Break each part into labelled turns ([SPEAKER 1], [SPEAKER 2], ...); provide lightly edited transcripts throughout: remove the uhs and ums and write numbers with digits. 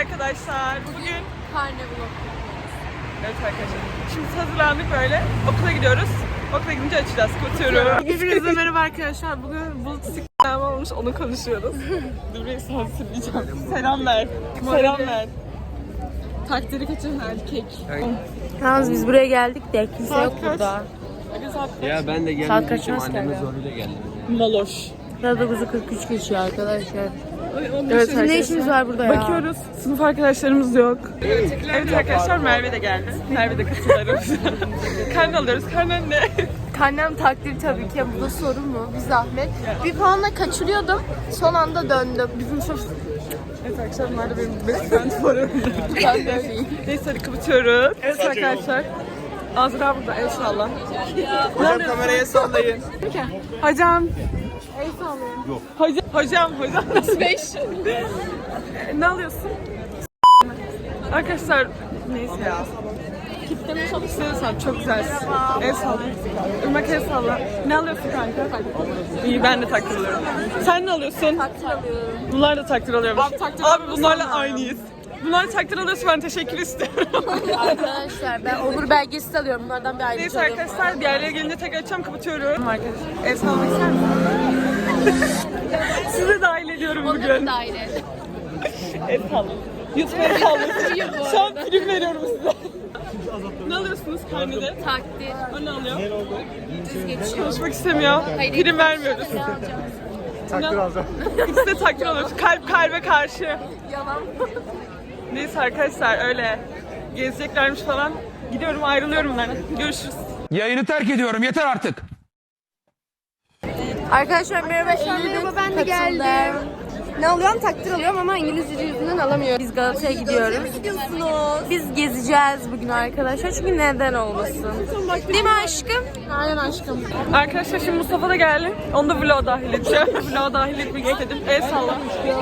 [SPEAKER 1] arkadaşlar. Bugün
[SPEAKER 2] karne vlog.
[SPEAKER 1] evet arkadaşlar. Şimdi hazırlandık böyle. Okula gidiyoruz. Okula gidince açacağız. Kutuyorum. Hepinize merhaba arkadaşlar. Bugün bulut s***lem olmuş. Onu konuşuyoruz. Dur bir sansürleyeceğim. Selam ver. Selam ver. Takdiri kaçıran erkek.
[SPEAKER 2] Yalnız biz buraya geldik de kimse
[SPEAKER 1] Saat
[SPEAKER 2] yok
[SPEAKER 1] kaç?
[SPEAKER 2] burada.
[SPEAKER 3] Ya ben de
[SPEAKER 2] Saat
[SPEAKER 3] gelmeyeceğim,
[SPEAKER 2] kaçmaz
[SPEAKER 3] annemin
[SPEAKER 2] ki?
[SPEAKER 3] zoruyla geldim.
[SPEAKER 1] Maloş.
[SPEAKER 2] Saat 9:43 geçiyor arkadaşlar.
[SPEAKER 1] Evet
[SPEAKER 2] Bizim ne işimiz var burada ya?
[SPEAKER 1] Bakıyoruz. Sınıf arkadaşlarımız yok. Evet arkadaşlar Merve de geldi. Merve de katılırız. Karne alıyoruz. Karnen ne?
[SPEAKER 2] Karnem takdir tabii ki. Bu da sorun mu? Bir zahmet. Bir puanla kaçırıyordum. Son anda döndüm.
[SPEAKER 1] Bizim sınıf... Evet arkadaşlar bunlar da benim best friend forum.
[SPEAKER 2] Ben de öyleyim.
[SPEAKER 1] Neyse hadi kapatıyoruz. Evet arkadaşlar. Azra burada el salla. Hocam kameraya sallayın. Hocam.
[SPEAKER 2] El sallıyorum.
[SPEAKER 1] Hocam. Nasıl 5? Ne alıyorsun? Arkadaşlar neyse ya. Kitleme çok istiyorsan çok güzelsin. El salla. Irmak el salla. Ne alıyorsun kanka? İyi ben de takdir alıyorum. Sen ne alıyorsun?
[SPEAKER 2] Takdir alıyorum.
[SPEAKER 1] Bunlar da takdir alıyormuş. Abi bunlarla aynıyız. Bunlar takdir alıyorsa ben teşekkür istiyorum.
[SPEAKER 2] Arkadaşlar ben onur belgesi alıyorum. Bunlardan bir ayrıca
[SPEAKER 1] Neyse
[SPEAKER 2] alıyorum.
[SPEAKER 1] arkadaşlar diğerleri gelince tekrar açacağım kapatıyorum. Arkadaşlar el sallamak ister misiniz? Sizi dahil ediyorum
[SPEAKER 2] Onları
[SPEAKER 1] bugün.
[SPEAKER 2] dahil et.
[SPEAKER 1] El sallayın. YouTube'a el sallayın. Şu an prim veriyorum size. Ne alıyorsunuz karnede?
[SPEAKER 2] Takdir.
[SPEAKER 1] O ne alıyor?
[SPEAKER 2] Düz geçiyor.
[SPEAKER 1] Konuşmak istemiyor.
[SPEAKER 2] Hayır,
[SPEAKER 1] Prim vermiyoruz.
[SPEAKER 2] Ne alacağım?
[SPEAKER 1] Takdir alacağım. İkisi de takdir alıyoruz. Kalp kalbe karşı.
[SPEAKER 2] Yalan.
[SPEAKER 1] Neyse arkadaşlar öyle gezeceklermiş falan. Gidiyorum ayrılıyorum bunlardan. Görüşürüz.
[SPEAKER 4] Yayını terk ediyorum. Yeter artık.
[SPEAKER 2] Arkadaşlar merhaba. Merhaba ben de geldim.
[SPEAKER 5] Ne alıyorum? Takdir alıyorum ama İngilizce yüzünden alamıyorum.
[SPEAKER 2] Biz Galata'ya gidiyoruz.
[SPEAKER 5] Gidiyorsunuz.
[SPEAKER 2] Biz gezeceğiz bugün arkadaşlar çünkü neden olmasın? Değil mi aşkım?
[SPEAKER 5] Aynen aşkım.
[SPEAKER 1] Arkadaşlar şimdi Mustafa da geldi. Onu da vloga dahil edeceğim. Vloga dahil etmek istedim. El salla.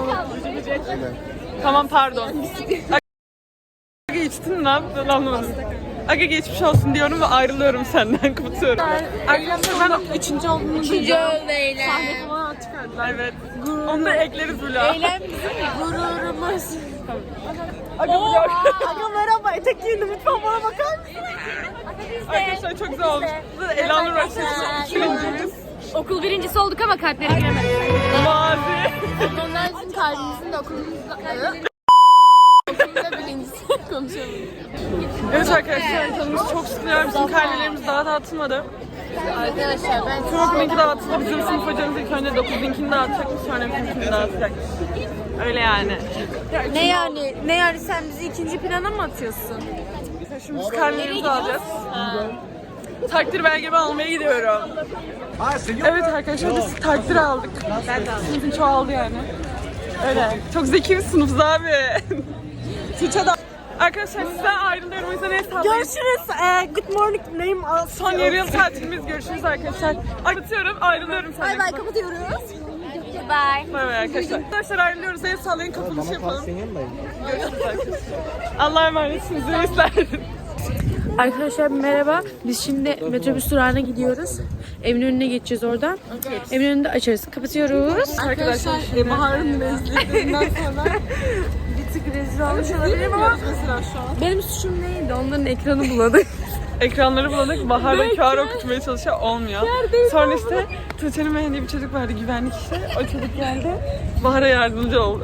[SPEAKER 1] Tamam pardon. Aga içtin ne yaptın anlamadım. Aga geçmiş olsun diyorum ve ayrılıyorum senden kapatıyorum. Arkadaşlar ben 3. olduğunu
[SPEAKER 2] Üçüncü öğleyle.
[SPEAKER 1] Evet. Onu da ekleriz vloga.
[SPEAKER 2] Eylem bizim gururumuz.
[SPEAKER 1] Aga vlog.
[SPEAKER 5] Aga merhaba. Etek giyindim. Lütfen bana bakar mısın?
[SPEAKER 1] Arkadaşlar çok güzel olmuş. Bu da Elanur Başarısı. Birincimiz.
[SPEAKER 5] Okul birincisi olduk ama kalplere giremedik.
[SPEAKER 1] Mazi.
[SPEAKER 2] Onlar bizim kalbimizin de okulumuzda. Okulumuzda birincisi konuşalım.
[SPEAKER 1] Evet arkadaşlar canımız çok sıkılıyor. Bizim karnelerimiz daha dağıtılmadı.
[SPEAKER 2] Arkadaşlar ben
[SPEAKER 1] Profilinki dağıtıldı. Bizim sınıf hocamız ilk önce 9'unkini dağıtacakmış. Sonra bizimkini dağıtacak. Öyle yani.
[SPEAKER 2] ne yani sen bizi ikinci plana mı atıyorsun?
[SPEAKER 1] Şimdi biz karnelerimizi alacağız. Takdir belgemi almaya gidiyorum. Evet arkadaşlar biz takdir aldık. Sınıfın çoğaldı yani. Öyle. Çok zeki bir sınıfız abi. Tuğçe da. Arkadaşlar sizden ayrılıyorum. O yüzden hesaplayın.
[SPEAKER 5] Görüşürüz. Good morning. Name
[SPEAKER 1] Son yarı yıl tatilimiz. Görüşürüz arkadaşlar. Kapatıyorum. Ayrılıyorum senden.
[SPEAKER 5] Bay bay kapatıyoruz.
[SPEAKER 2] Bye.
[SPEAKER 1] Bay bay arkadaşlar. Arkadaşlar ayrılıyoruz. El sallayın kapanışı yapalım. Görüşürüz arkadaşlar. Allah'a emanetsiniz. Reisler.
[SPEAKER 2] Arkadaşlar merhaba. Biz şimdi metrobüs durağına gidiyoruz. Evin önüne geçeceğiz oradan. Evin önünde açarız. Kapatıyoruz.
[SPEAKER 1] Arkadaşlar Bahar'ın rezilliklerinden sonra
[SPEAKER 2] Bir tık rezil olmuş olabilirim ama
[SPEAKER 1] mesela şu an.
[SPEAKER 2] benim suçum neydi? Onların ekranı buladık.
[SPEAKER 1] Ekranları bulanık, Bahar'da QR okutmaya çalışıyor, olmuyor. Sonra işte Tuğçe'nin beğendiği bir çocuk vardı, güvenlik işte. O çocuk geldi, Bahar'a yardımcı oldu.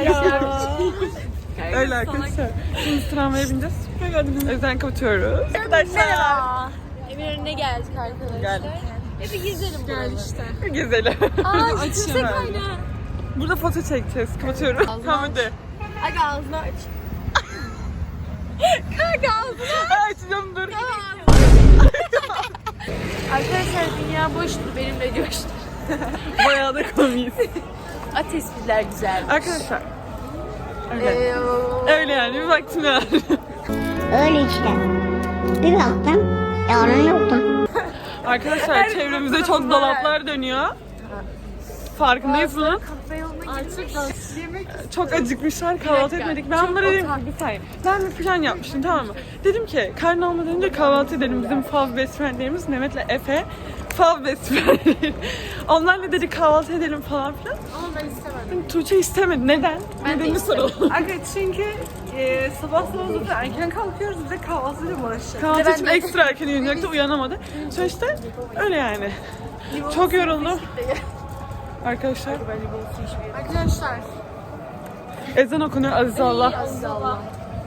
[SPEAKER 1] Öyle arkadaşlar. Şimdi tramvaya bineceğiz. O yüzden kapatıyoruz. Arkadaşlar.
[SPEAKER 2] Evin önüne geldik arkadaşlar.
[SPEAKER 1] Geldik.
[SPEAKER 2] Bir gezelim. Gel işte.
[SPEAKER 1] Gezelim.
[SPEAKER 2] Aa yüksek ayna.
[SPEAKER 1] Burada foto çekeceğiz. Kapatıyorum. Tamam hadi.
[SPEAKER 2] Aga ağzını aç. Aga ağzını
[SPEAKER 1] Açacağım dur.
[SPEAKER 2] Arkadaşlar dünya boştu benimle coştu.
[SPEAKER 1] Bayağı da komiyiz.
[SPEAKER 2] At espriler güzel.
[SPEAKER 1] Arkadaşlar. Öyle. Öyle yani bir vaktim var.
[SPEAKER 6] Öyle işte. Bir baktım, yarın yoktu.
[SPEAKER 1] Arkadaşlar çevremizde çok dolaplar dönüyor. Farkındayız bunun. Çok acıkmışlar, kahvaltı etmedik. Ben bunlara dedim ki bir saniye. Ben bir plan yapmıştım, tamam mı? Dedim ki karnı olmadan önce kahvaltı edelim. Bizim fav best friendlerimiz Mehmet'le Efe fav best friend. Onlarla dedik kahvaltı edelim falan filan.
[SPEAKER 5] Ama ben istemedim.
[SPEAKER 1] Tuğçe istemedi. Neden?
[SPEAKER 5] Ben de
[SPEAKER 1] Nedenini
[SPEAKER 5] istemedim.
[SPEAKER 1] soralım. Evet çünkü sabah zaten erken kalkıyoruz. Bir de kahvaltıyla uğraşacağız. Kahvaltı için ekstra erken uyanacaktı. Uyanamadı. Sonra işte öyle yani. Çok yoruldum. Arkadaşlar.
[SPEAKER 5] Arkadaşlar.
[SPEAKER 1] Ezan okunuyor Aziz Allah.
[SPEAKER 5] Aziz Allah.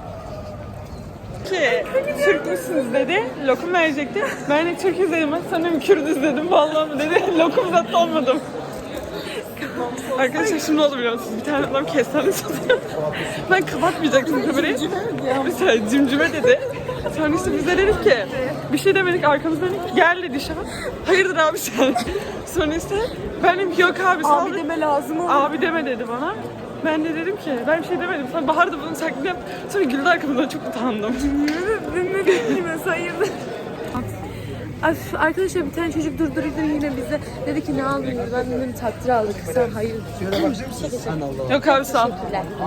[SPEAKER 1] Ki Türk müsünüz dedi. Lokum verecekti. Ben de Türk izledim. Sanırım Kürdüz dedim. Vallahi mı dedi. Lokum zaten olmadım. Arkadaşlar şimdi oldu biliyor musunuz? Bir tane adam kestane satıyor. Ben kapatmayacaktım kamerayı. Mesela cimcime dedi. Sonra işte biz de dedik ki bir şey demedik, arkamızdan dedik gel dedi şahı. Hayırdır abi sen? Sonra işte ben dedim ki yok abi sağ ol. Abi deme lazım ama. Abi deme dedi bana. Ben de dedim ki ben bir şey demedim. Sonra Bahar da bunun taklidini yaptı. Sonra güldü arkamdan, çok utandım.
[SPEAKER 2] Ne bileyim hayırdır. Arkadaşlar bir tane çocuk durdurdu yine bize. Dedi ki ne aldınız? Ben dedim takdir aldık. Sen hayır.
[SPEAKER 1] Yok abi sağ ol.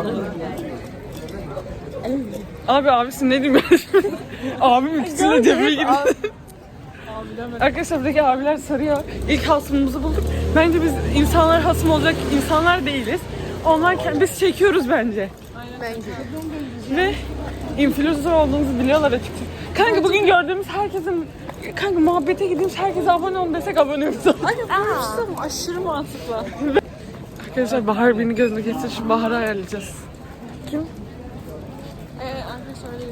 [SPEAKER 1] Abi abisin ne diyeyim ben şimdi? Abim ikisiyle cebime girdi. Arkadaşlar buradaki abiler sarıyor. İlk hasmımızı bulduk. Bence biz insanlar hasım olacak insanlar değiliz. Onlar biz çekiyoruz bence.
[SPEAKER 5] Bence.
[SPEAKER 1] Ve influencer olduğumuzu biliyorlar açıkçası. Kanka bugün gördüğümüz herkesin muhabbete gideyim herkese abone olun desek abone oluruz. Aşırı mantıklı. Arkadaşlar Bahar beni gözüne kestir. Şu Bahar'ı ayarlayacağız. Kim?
[SPEAKER 5] Arkadaşlar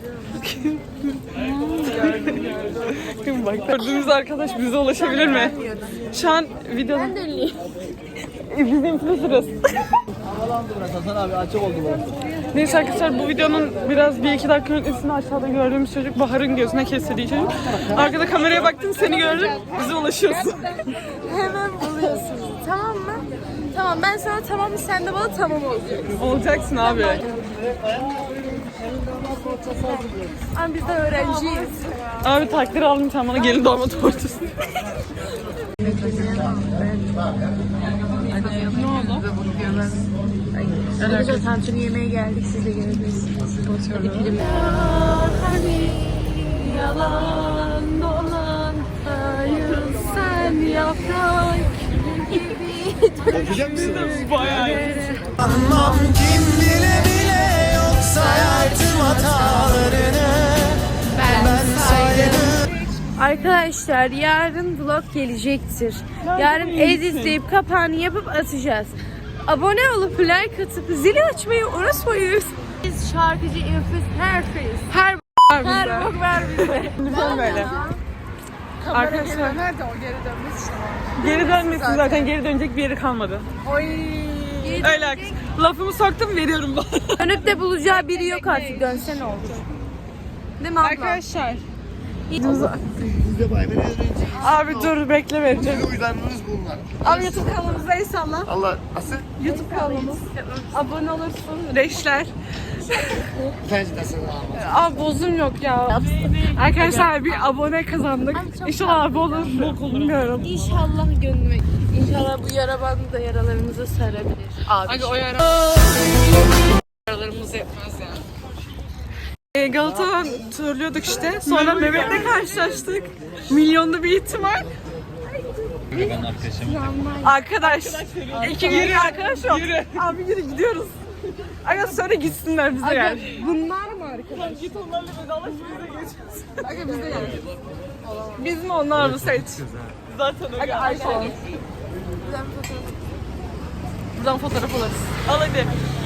[SPEAKER 5] öyle yürüyorum.
[SPEAKER 1] Kim bak gördüğümüz arkadaş bize ulaşabilir mi? Şu an videoda.
[SPEAKER 5] Ben de ünlüyüm.
[SPEAKER 1] Biz influencer'ız.
[SPEAKER 3] Hasan abi açık oldu bu.
[SPEAKER 1] Neyse arkadaşlar bu videonun biraz 1-2 dakika öncesinde aşağıda gördüğümüz çocuk Bahar'ın gözüne kestirdiği çocuk. Arkada kameraya baktım seni gördüm bize ulaşıyorsun.
[SPEAKER 5] Hemen buluyorsunuz. Tamam mı? Tamam ben sana tamam sen de bana tamam olacaksın.
[SPEAKER 1] Olacaksın abi.
[SPEAKER 5] Ama biz de öğrenciyiz.
[SPEAKER 1] Abi takdir aldım sen bana gelin doğma tortusu. Ne oldu?
[SPEAKER 2] Arkadaşlar tantuni yemeğe geldik. Siz de gelebilirsiniz. Hadi film.
[SPEAKER 1] Yalan dolan hayır sen yaprak
[SPEAKER 3] Okuyacak mısın?
[SPEAKER 1] bayağı iyi.
[SPEAKER 7] Anlam kim bile bile yok sayar tüm hatalarını ben sayarım.
[SPEAKER 2] Arkadaşlar yarın vlog gelecektir. Yarın editleyip kapağını yapıp atacağız. Abone olup like atıp zili açmayı unutmayın. Biz şarkıcı influencer herkes. Her bok ver bize.
[SPEAKER 1] Lütfen böyle. Arkadaşlar
[SPEAKER 5] Nerede o geri dönmesi işte.
[SPEAKER 1] geri dönmesin zaten geri dönecek bir yeri kalmadı.
[SPEAKER 5] Oy.
[SPEAKER 1] Öyle lafımı soktum veriyorum bana.
[SPEAKER 2] Dönüp de bulacağı biri yok artık. Dönse ne olur?
[SPEAKER 5] Değil mi abla?
[SPEAKER 1] Arkadaşlar.
[SPEAKER 3] Biz de bay beni öğrenciyiz.
[SPEAKER 1] Abi dur bekle vereceğim.
[SPEAKER 3] Uydanınız bunlar.
[SPEAKER 1] Abi YouTube kanalımıza inşallah.
[SPEAKER 3] Allah asıl
[SPEAKER 1] YouTube kanalımız. Abone olursun. Reşler.
[SPEAKER 3] tercih de sana.
[SPEAKER 1] Abi bozum yok ya. Arkadaşlar bir abone kazandık. İnşallah abi olur. Bok olur bilmiyorum.
[SPEAKER 2] İnşallah gönlüme. İnşallah bu yara bandı da yaralarımızı sarabilir. Abi.
[SPEAKER 1] O yaralarımız yetmez yani. Galata'dan turluyorduk işte. Sonra Mehmet'le karşılaştık. Milyonda bir ihtimal. Arkadaş. İki yürü arkadaş yok. Abi yürü gidiyoruz. Aga sonra gitsinler bize yani.
[SPEAKER 5] Bunlar mı arkadaş?
[SPEAKER 1] Git onlarla vedalaş bize geçeceğiz.
[SPEAKER 5] Aga biz de yani.
[SPEAKER 1] Biz mi onlar mı seç? Zaten o
[SPEAKER 5] Aga iPhone.
[SPEAKER 1] Buradan fotoğraf alırız. Al hadi.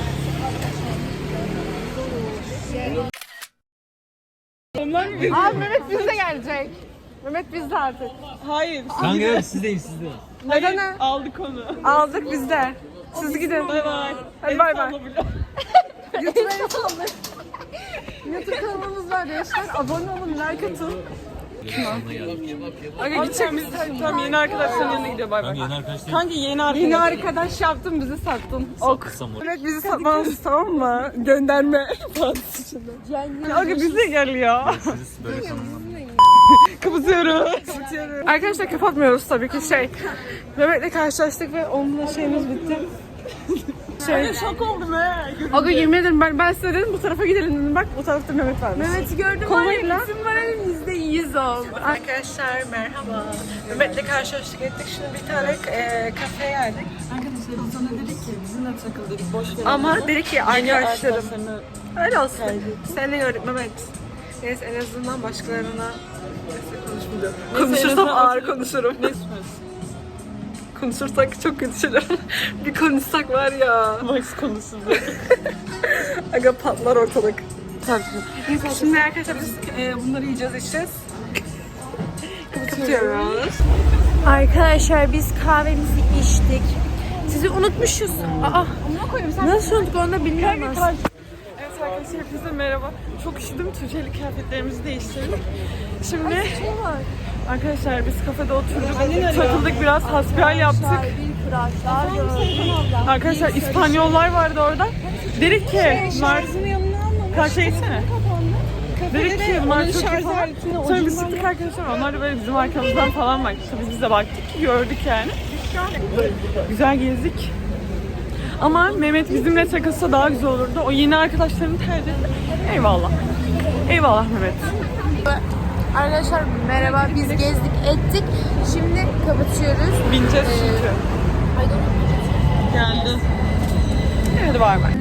[SPEAKER 1] Onlar mı bizim?
[SPEAKER 5] Abi Mehmet bizde gelecek. Mehmet bizde artık.
[SPEAKER 1] Hayır.
[SPEAKER 3] Kanka yok sizdeyim sizde.
[SPEAKER 1] Hayır. Aldık onu.
[SPEAKER 5] Aldık bizde. Siz gidin.
[SPEAKER 1] Bay bay.
[SPEAKER 5] Hadi bay bay.
[SPEAKER 1] YouTube'a
[SPEAKER 5] YouTube kanalımız var gençler. Abone olun, like atın.
[SPEAKER 1] Aga gideceğim biz tam yeni arkadaşların yanına gidiyor bay bay. Kanka yeni arkadaş.
[SPEAKER 5] Yeni arkadaş yaptın bizi sattın. Ok.
[SPEAKER 1] Evet bizi satmanız tamam mı? Gönderme partisi için. Aga bize gel ya. Kapatıyoruz. Arkadaşlar kapatmıyoruz tabii ki Mehmet'le karşılaştık ve onunla şeyimiz bitti. Şok oldum he.
[SPEAKER 2] Aga yemin ederim ben size dedim
[SPEAKER 1] Bu tarafa gidelim dedim. Bak bu tarafta Mehmet varmış.
[SPEAKER 2] Mehmet'i gördüm var ya bizim moralim %100 oldu.
[SPEAKER 1] Arkadaşlar merhaba. Mehmet'le karşılaştık ettik. Şimdi bir tane kafeye geldik. Arkadaşlar sana dedik ki bizimle takıl dedik. Boş ver. Ama dedi ki arkadaşlarım. Öyle olsun. Seninle gördük Mehmet. Neyse en azından başkalarına konuşmayacağım. Konuşursam ağır konuşurum. Ne konuşursak çok kötü şeyler. Bir konuşsak var ya. Max konuşsun. Aga patlar ortalık. Şimdi arkadaşlar biz bunları yiyeceğiz içeceğiz. Kapatıyoruz.
[SPEAKER 2] Arkadaşlar biz kahvemizi içtik. Sizi unutmuşuz. Aa, nasıl unuttuk onu da bilmiyorum aslında.
[SPEAKER 1] Evet arkadaşlar hepinize merhaba. Çok üşüdüm. Tuğçe'li kıyafetlerimizi değiştirdik. Şimdi arkadaşlar biz kafede oturduk. Takıldık biraz hasbihal yaptık. Arkadaşlar İspanyollar vardı orada. Dedik ki bunlar karşıya gitsene. Dedik ki bunlar çok iyi falan. Sonra biz çıktık arkadaşlar. Onlar da böyle bizim arkamızdan falan baktı. Biz de baktık. Gördük yani. Güzel gezdik. Ama Mehmet bizimle takılsa daha güzel olurdu. O yeni arkadaşlarını tercih etti. Eyvallah. Eyvallah Mehmet.
[SPEAKER 2] Arkadaşlar merhaba biz gezdik ettik. Şimdi kapatıyoruz.
[SPEAKER 1] Bineceğiz çünkü. Geldi. Hadi bay bay.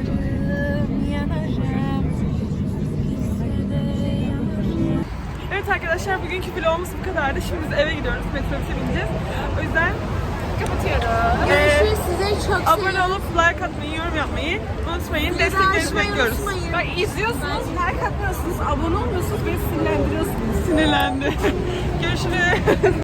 [SPEAKER 1] Evet arkadaşlar bugünkü vlogumuz bu kadardı. Şimdi biz eve gidiyoruz. Metrobüse bineceğiz. O yüzden kapatıyoruz.
[SPEAKER 2] Görüşürüz size çok
[SPEAKER 1] Abone olup like atmayı, yorum yapmayı unutmayın. Desteklerinizi bekliyoruz.
[SPEAKER 5] Bak izliyorsunuz, like atmıyorsunuz, abone olmuyorsunuz, beni sinirlendiriyorsunuz.
[SPEAKER 1] Sinirlendi. Görüşürüz.